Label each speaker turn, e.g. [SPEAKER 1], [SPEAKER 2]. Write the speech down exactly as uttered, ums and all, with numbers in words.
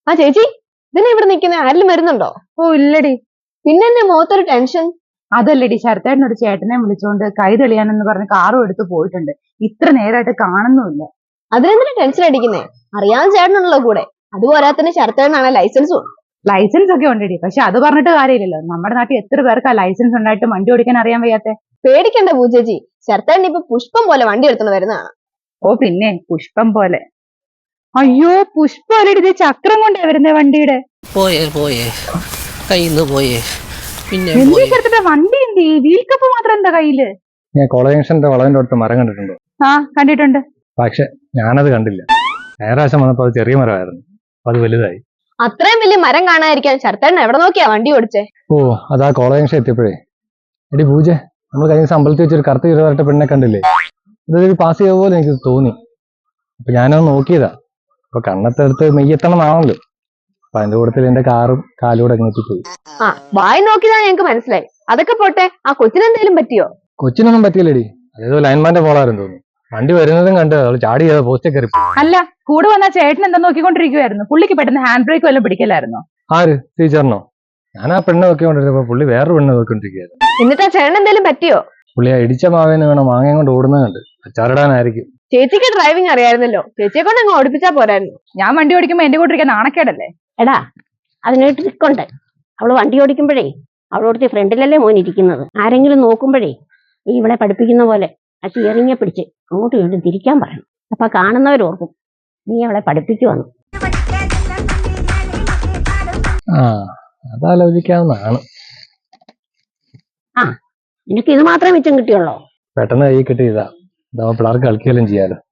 [SPEAKER 1] ആ ചേച്ചി, ഇതിനെ ഇവിടെ നിൽക്കുന്ന ആരെങ്കിലും വരുന്നുണ്ടോ?
[SPEAKER 2] ഓ ഇല്ലടി.
[SPEAKER 1] പിന്നെ എന്നെ മുഖത്തൊരു ടെൻഷൻ.
[SPEAKER 2] അതല്ലടി, ശരത്തേട്ടനൊരു ചേട്ടനെ വിളിച്ചോണ്ട് കൈ തെളിയാനെന്ന് പറഞ്ഞ് കാറും എടുത്ത് പോയിട്ടുണ്ട്. ഇത്ര നേരമായിട്ട് കാണുന്നുമില്ല.
[SPEAKER 1] അതിനെന്തിനാ ടെൻഷൻ അടിക്കുന്നേ? അറിയാൻ ചേട്ടനുള്ളോ കൂടെ. അതുപോരാത്തന്നെ ശരത്തേട്ടനാണ് ലൈസൻസും.
[SPEAKER 2] ലൈസൻസ് ഒക്കെ ഉണ്ടടി, പക്ഷെ അത് പറഞ്ഞിട്ട് കാര്യമില്ലല്ലോ. നമ്മുടെ നാട്ടിൽ എത്ര പേർക്ക് ആ ലൈസൻസ് ഉണ്ടായിട്ട് വണ്ടി ഓടിക്കാൻ അറിയാൻ വയ്യാത്തെ.
[SPEAKER 1] പേടിക്കണ്ട പൂച്ചേച്ചി, ശരത്തേട്ടൻ ഇപ്പൊ പുഷ്പം പോലെ വണ്ടി എടുത്തോണ്ട് വരുന്നതാണ്.
[SPEAKER 2] ഓ പിന്നെ പുഷ്പം പോലെ. അയ്യോ പുഷ്പം അല്ലടി, ഇത് ചക്രം കൊണ്ടേ വരുന്നേ വണ്ടിയുടെ.
[SPEAKER 3] പോയേ പോയേ കയ്യിന്ന് പോയേ. പിന്നെ
[SPEAKER 2] എന്തിനാ ചേർത്തിട്ട് വണ്ടി എന്ത് വീൽ കപ്പ് മാത്രം എന്താ കയ്യില്?
[SPEAKER 4] ഞാൻ കോളേജ് ജംഗ്ഷന്റെ വളവിന്റെ അടുത്ത് മരം കണ്ടിട്ടുണ്ടോ?
[SPEAKER 2] ആ കണ്ടിട്ടുണ്ട്.
[SPEAKER 4] പക്ഷെ ഞാനത് കണ്ടില്ല. ഞായറാഴ്ച വന്നപ്പോ അത് ചെറിയ മരമായിരുന്നു, അപ്പൊ അത് വലുതായി.
[SPEAKER 1] അത്രയും വലിയ മരം കാണാതിരിക്കാൻ ശരത്തേട്ടൻ എവിടെ നോക്കിയാ വണ്ടി ഓടിച്ചേ?
[SPEAKER 4] ഓ അതാ കോളേജ് ജംഗ്ഷൻ എത്തിയപ്പോഴേ. എടി പൂജ, നമ്മൾ കഴിഞ്ഞ ദിവസം അമ്പലത്തിൽ വെച്ചൊരു കറുത്ത ഇരുവരട്ട പെണ്ണെ കണ്ടില്ലേ? അതൊരു പാസ് ചെയ്ത പോലെ എനിക്ക് തോന്നി. അപ്പൊ ഞാനത് നോക്കിയതാ. അപ്പൊ കണ്ണത്തെടുത്ത് മെയ്യെത്തണം എന്നാണല്ലോ. അപ്പൊ അതിന്റെ കൂട്ടത്തിൽ എന്റെ കാറും കാലൂടെ എത്തിപ്പോയി.
[SPEAKER 1] ആ വായി നോക്കിയതാ ഞങ്ങക്ക് മനസ്സിലായി. അതൊക്കെ പോട്ടെ, ആ കൊച്ചിനെന്തേലും പറ്റിയോ?
[SPEAKER 4] കൊച്ചിനൊന്നും പറ്റിയില്ലടി, അതേതോ ലൈൻമാന്റെ പോളായിരുന്നു തോന്നുന്നു. വണ്ടി വരുന്നതും കണ്ട് അവള് ചാടി ചെയ്ത പോസ്റ്റേ കയറി.
[SPEAKER 2] അല്ല, കൂടെ വന്ന ചേട്ടൻ എന്താ നോക്കിക്കൊണ്ടിരിക്കുവായിരുന്നു? പുള്ളിക്ക് പെട്ടെന്ന് ഹാൻഡ് ബ്രേക്ക് വല്ലതും പിടിക്കലായിരുന്നോ?
[SPEAKER 4] ആര് ടീച്ചറിനോ? ഞാൻ ആ പെണ്ണ് നോക്കിക്കൊണ്ടിരുന്നപ്പോ പുള്ളി വേറൊരു പെണ്ണ് നോക്കിക്കൊണ്ടിരിക്കുകയായിരുന്നു.
[SPEAKER 1] എന്നിട്ട് ആ ചേട്ടൻ എന്തേലും പറ്റിയോ?
[SPEAKER 4] പുള്ളി ആ ഇടിച്ച മാവേന്ന് വേണം മാങ്ങയും കൊണ്ട് ഓടുന്നത് കണ്ട് അച്ചാറിടാനായിരിക്കും.
[SPEAKER 1] ചേച്ചിക്ക് ഡ്രൈവിംഗ് അറിയായിരുന്നല്ലോ, ചേച്ചിയെ കൊണ്ട് അങ്ങ് ഓടിപ്പിച്ചാ പോരായിരുന്നു.
[SPEAKER 2] ഞാൻ വണ്ടി ഓടിക്കുമ്പോ എന്റെ കൂട്ടിരിക്കാൻ നാണക്കേടല്ലേ?
[SPEAKER 5] എടാ, അതിനൊരു ട്രിക്കുണ്ട്. അവള് വണ്ടി ഓടിക്കുമ്പോഴേ അവളോടത്തെ ഫ്രണ്ടിലല്ലേ മോൻ ഇരിക്കുന്നത്. ആരെങ്കിലും നോക്കുമ്പോഴേ നീ ഇവളെ പഠിപ്പിക്കുന്ന പോലെ ആ സ്റ്റിയറിംഗെ പിടിച്ച് അങ്ങോട്ടും ഇങ്ങോട്ടും തിരിക്കാൻ പറയണം. അപ്പൊ കാണുന്നവരോർക്കും നീ അവളെ പഠിപ്പിക്കുവന്നു.
[SPEAKER 4] ആ അതാലോചിക്കാവുന്നതാണ്.
[SPEAKER 5] ആ നിനക്ക് ഇത് മാത്രമേ മിച്ചം കിട്ടിയുള്ളോ?
[SPEAKER 4] പെട്ടെന്ന് കൈ കിട്ടിയതാ. ഇതാവുമ്പോ പിള്ളേർക്ക് കളിക്കുകയും ചെയ്യാലോ.